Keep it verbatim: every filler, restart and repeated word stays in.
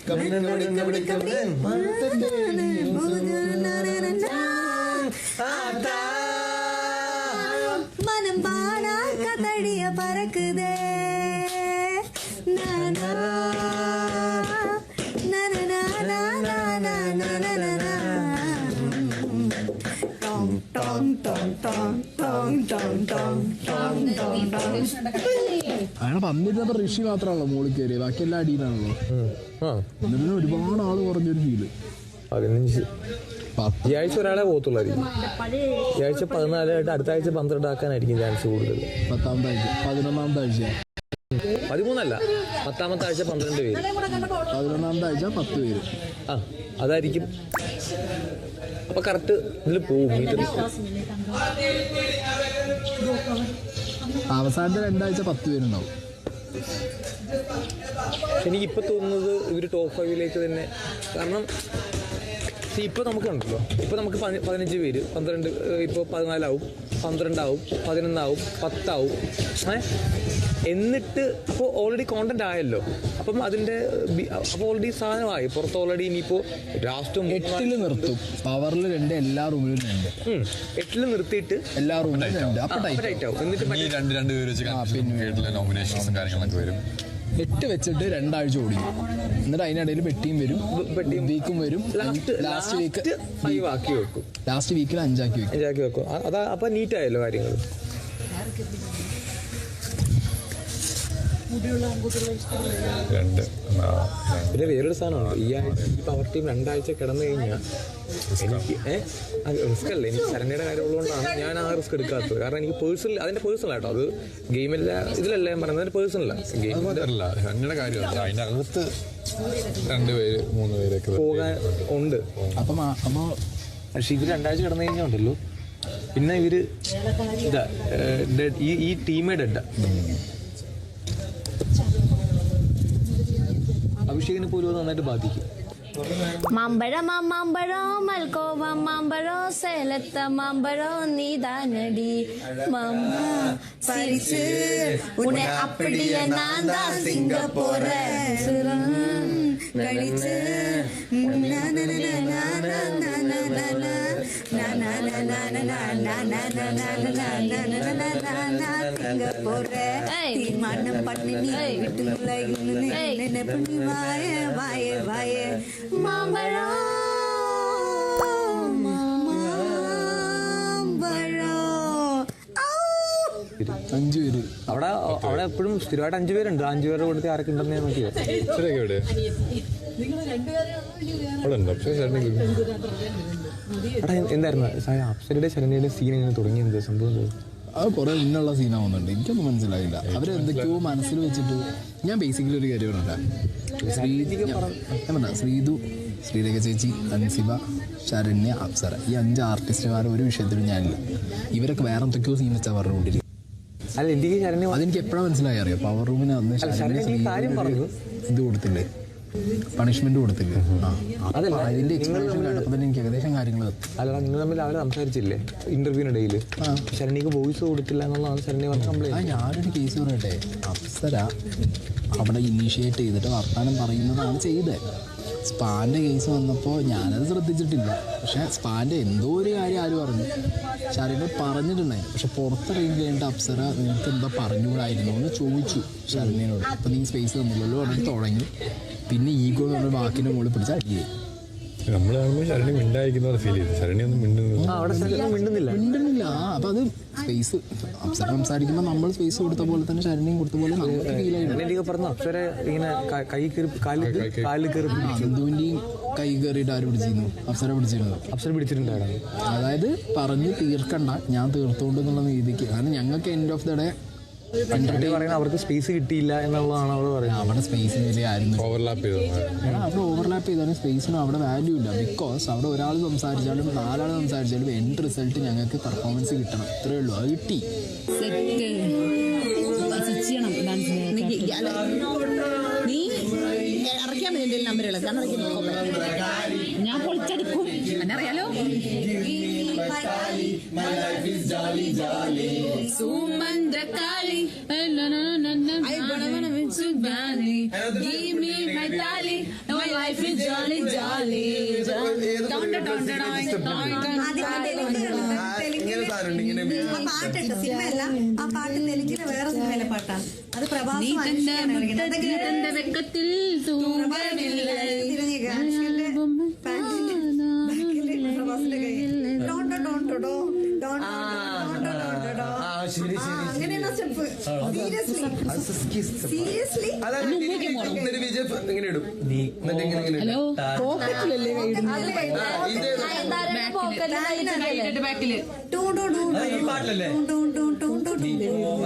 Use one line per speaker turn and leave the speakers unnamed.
മനം പാടാ കതടിയ പറക്കുതേ
അയാളെ വന്നിരുന്നപ്പോ ഋഷി മാത്രമാണല്ലോ മോളിൽ കയറിയത്, ബാക്കി എല്ലാ അടിയിലാണല്ലോ. എന്നിട്ട് ഒരുപാട് ആള് കുറഞ്ഞൊരു ഫീല്.
പതിനഞ്ച് ഈ ആഴ്ച ഒരാളെ പോകത്തുള്ളായിരിക്കും. ഈ ആഴ്ച പതിനാലായിട്ട് അടുത്ത ആഴ്ച പന്ത്രണ്ട് ആക്കാനായിരിക്കും ചാൻസ് കൂടുതൽ.
പത്താമത്തെ ആഴ്ച പതിനൊന്നാമത്തെ ആഴ്ച
പതിമൂന്നല്ല പത്താമത്തെ ആഴ്ച പന്ത്രണ്ട് പേര്,
പതിനൊന്നാമത്തെ ആഴ്ച പത്ത് പേര്.
ആ അതായിരിക്കും. അപ്പൊ കറക്റ്റ് ഇതിൽ പോവും.
അവസാനത്തെ രണ്ടാഴ്ച പത്ത് പേരുണ്ടാവും.
എനിക്കിപ്പോൾ തോന്നുന്നത് ഇവർ ടോപ്പ് ഫൈവിലേക്ക് തന്നെ. കാരണം ഇപ്പോൾ നമുക്കുണ്ടല്ലോ, ഇപ്പോൾ നമുക്ക് പതിനഞ്ച് പേര്, പന്ത്രണ്ട്, ഇപ്പോൾ പതിനാലാവും, പന്ത്രണ്ടാവും, പതിനൊന്നാവും, പത്താവും. ഏഹ് എന്നിട്ട് അപ്പോൾ ഓൾറെഡി കോണ്ടന്റ് ആയല്ലോ. അപ്പം അതിൻ്റെ അപ്പോൾ ഓൾറെഡി സാധനമായി പുറത്ത്. ഓൾറെഡി ഇനിയിപ്പോൾ ലാസ്റ്റ്
എട്ടിൽ നിർത്തും. പവറിൽ രണ്ട്, എല്ലാ റൂമിലും രണ്ട്.
എട്ടിൽ നിർത്തിയിട്ട്
എല്ലാ റൂമിലും രണ്ട്. അപ്പോൾ ടൈറ്റ് ആവും.
എന്നിട്ട്
രണ്ട് രണ്ട് പേര് വെച്ച് നോമിനേഷൻസും കാര്യങ്ങളൊക്കെ വരും.
എട്ട് വെച്ചിട്ട് രണ്ടാഴ്ച ഓടിക്കും. എന്നിട്ട് അതിനിടയിൽ പെട്ടിയും വരും, പെട്ടിയും വീക്കും വരും. ലാസ്റ്റ് വീക്ക്
ഫൈവ് ആക്കി വെക്കും.
ലാസ്റ്റ് വീക്കിൽ അഞ്ചാക്കി വെക്കും
അഞ്ചാക്കി വെക്കും അതാ. അപ്പം നീറ്റായല്ലോ കാര്യങ്ങൾ. പിന്നെ വേറൊരു സാധനമാണ്, ഈ ആഴ്ച ഈ പവർ ടീം രണ്ടാഴ്ച കിടന്നു കഴിഞ്ഞാൽ എനിക്ക് ഏഹ് റിസ്ക് അല്ല. എനിക്ക് ശരണ്യയുടെ കാര്യം ഉള്ളതുകൊണ്ടാണ് ഞാൻ ആ റിസ്ക് എടുക്കാത്തത്. കാരണം എനിക്ക് പേഴ്സണൽ, അതിന്റെ പേഴ്സണൽ ആട്ടോ, അത് ഗെയിമില്ല ഇതിലല്ല ഞാൻ പറയുന്നത്, അതിന്റെ പേഴ്സണൽ
ഗെയിമല്ല ശരണ്യയുടെ കാര്യമല്ല. അതിന്റെ അകത്ത് രണ്ടുപേര് മൂന്ന് പേരൊക്കെ
പോകാൻ ഉണ്ട്.
അപ്പം അപ്പോൾ
പക്ഷെ ഇവർ രണ്ടാഴ്ച കിടന്നു കഴിഞ്ഞാൽ ഉണ്ടല്ലോ, പിന്നെ ഇവര് ഇതാ ഈ ഈ ടീമേ ഡെഡാ. അഭിഷേകിനെ പോലും നന്നായിട്ട് ബാധിക്കും.
മാമ്പഴം മാമ്പഴം മൽക്കോവ മാമ്പഴം സേലത്ത മാമ്പഴം നീതാനടി മാമ്പ പരിച്ച് ഉന്നെ അപ്പടിയ നാന്താ സിംഗപ്പൂർ കളിച്ച് സിംഗപ്പൂർ തീരുമാനം പണി വീട്ടുള്ള വായ വായ വായ മാമ്പഴം
അഞ്ചു പേര്
അവിടെ അവിടെ എപ്പോഴും സ്ഥിരമായിട്ട് അഞ്ചു പേരുണ്ട്. അഞ്ചു പേരുടെ കൂട്ടത്തിൽ ആരൊക്കെ ഉണ്ടെന്ന് ഞാൻ നോക്കിയത്. എന്തായിരുന്നു അപ്സരയുടെ ശരണ്യയുടെ സീൻ എങ്ങനെ തുടങ്ങി? എന്ത് സംഭവം?
അത് കുറെ ഇന്നുള്ള സീനാവുന്നുണ്ട്. എനിക്കൊന്നും മനസ്സിലായില്ല. അവരെന്തൊക്കെയോ മനസ്സിൽ വെച്ചിട്ട്. ഞാൻ ബേസിക്കലി ഒരു കാര്യം പറഞ്ഞില്ല. ഞാൻ പറഞ്ഞ ശ്രീതു, ശ്രീരേഖ ചേച്ചി, അൻസിബ, ശരണ്യ, അപ്സര, ഈ അഞ്ച് ആർട്ടിസ്റ്റുമാർ ഒരു വിഷയത്തിലും ഞാനില്ല. ഇവരൊക്കെ വേറെ എന്തൊക്കെയോ സീൻ വെച്ചാൽ പറഞ്ഞുകൊണ്ടിരിക്കും. അതെനിക്ക് എപ്പോഴാണ് മനസ്സിലായി അറിയാം. പവർ റൂമിന് അന്ന് ഇത് കൊടുത്തില്ലേ, പണിഷ്മെന്റ് കൊടുത്തില്ലേ, അതിന്റെ എക്സ്പ്ലനേഷൻ കേട്ടപ്പോൾ തന്നെ എനിക്ക് ഏകദേശം കാര്യങ്ങൾ.
അല്ല നിങ്ങൾ തമ്മിൽ അവരെ സംസാരിച്ചില്ലേ ഇന്റർവ്യൂവിനിടയിൽ? ശരണ്യക്ക് വോയിസ് കൊടുത്തില്ല എന്നുള്ളതാണ് ശരണ്യ പറഞ്ഞ കംപ്ലൈന്റ്.
ഞാനൊരു കേസ് പറയട്ടെ, അപ്സര അവിടെ ഇനീഷ്യേറ്റ് ചെയ്തിട്ട് വർത്താനം പറയുന്നതാണ് ചെയ്തത്. സ്പാൻ്റെ കേസ് വന്നപ്പോൾ ഞാനത് ശ്രദ്ധിച്ചിട്ടില്ല. പക്ഷേ സ്പാൻ്റെ എന്തോ ഒരു കാര്യം ആര് പറഞ്ഞു, ശരണ്യ പറഞ്ഞിട്ടുണ്ടായി. പക്ഷെ പുറത്തിറങ്ങി കഴിഞ്ഞിട്ട് അപ്സര നിനക്ക് എന്താ പറഞ്ഞുകൂടായിരുന്നു എന്ന് ചോദിച്ചു ശരണ്യനോട്. അപ്പം നീ സ്പേസ് തന്നില്ലല്ലോ അവിടെ തുടങ്ങി. പിന്നെ ഈഗോ എന്ന് പറഞ്ഞ വാക്കിൻ്റെ മുകളിൽ പിടിച്ച അടിയേ.
നമ്മൾ കാണുമ്പോൾ ശരണ്യ മിണ്ടായിരിക്കുന്ന ഫീൽ ചെയ്തു. ശരണ്യ ഒന്നും
മിണ്ടുന്നില്ല
മിണ്ടുന്നില്ല അപ്പം അത് സ്പേസ് അപ്സര സംസാരിക്കുമ്പോൾ നമ്മൾ സ്പേസ് കൊടുത്ത പോലെ തന്നെ ശരണ്യം കൊടുത്ത പോലെ നമുക്ക് ഫീൽ ആയിരുന്നു.
പറഞ്ഞു അപ്സര ഇങ്ങനെ കൈ കയറി കാലിൽ കയറി
സിന്ധുവിൻ്റെയും കൈ കയറിയിട്ട് ആര് പിടിച്ചിരുന്നു? അപ്സര പിടിച്ചിരുന്നു.
അപ്സര പിടിച്ചിട്ടുണ്ടായിരുന്നു.
അതായത് പറഞ്ഞ് തീർക്കണ്ട, ഞാൻ തീർത്തോണ്ട് എന്നുള്ള രീതിക്ക്. കാരണം ഞങ്ങൾക്ക് എൻഡ് ഓഫ് ദ ഡേ
പറയുന്നത് അവർക്ക് സ്പേസ് കിട്ടിയില്ല എന്നുള്ളതാണ് അവർ പറയുന്നത്.
അവിടെ സ്പേസിന് വലിയ ആയിരുന്നു
ഓവർലാപ്പ് ചെയ്തു.
അവിടെ ഓവർലാപ്പ് ചെയ്താലും സ്പേസിന് അവിടെ വാല്യൂ ഇല്ല. ബിക്കോസ് അവിടെ ഒരാൾ സംസാരിച്ചാലും നാലാൾ സംസാരിച്ചാലും എൻഡ് റിസൾട്ട് ഞങ്ങൾക്ക് പെർഫോമൻസ് കിട്ടണം. ഇത്രയേ ഉള്ളൂ. അത് കിട്ടി.
നീ ഇറക്കിയാൽ മതി എൻ്റെ നമ്പറുകൾ. ഞാൻ പൊളിച്ചെടുക്കും, എന്നറിയാലോ. സുമന്ത്രകാളി I wanna wanna win Sudani. Give me my tali. No, I വാലേ
ആ പാട്ടുണ്ട് സിനിമയല്ല, ആ പാട്ട് തെലുങ്കിലെ വേറെ സിനിമയിലെ പാട്ടാണ്. അത് പ്രഭാസ്
വെക്കത്തിൽ തൂങ്ങമില്ല
അങ്ങനെയാണ് സ്റ്റെപ്പ്. സീരിയസ്ലി
എന്നിട്ട് വിജയ് ഇങ്ങനെ ഇടും നീ എന്നിട്ട് ഇങ്ങനെ ഇങ്ങനെ
ഹലോ
പോക്കറ്റിൽ
ബാക്കില്
ടൂ ടൂ ടൂ
ഈ പാട്ടിലല്ലേ
ടൂ ടൂ ടൂ ടൂ ടൂ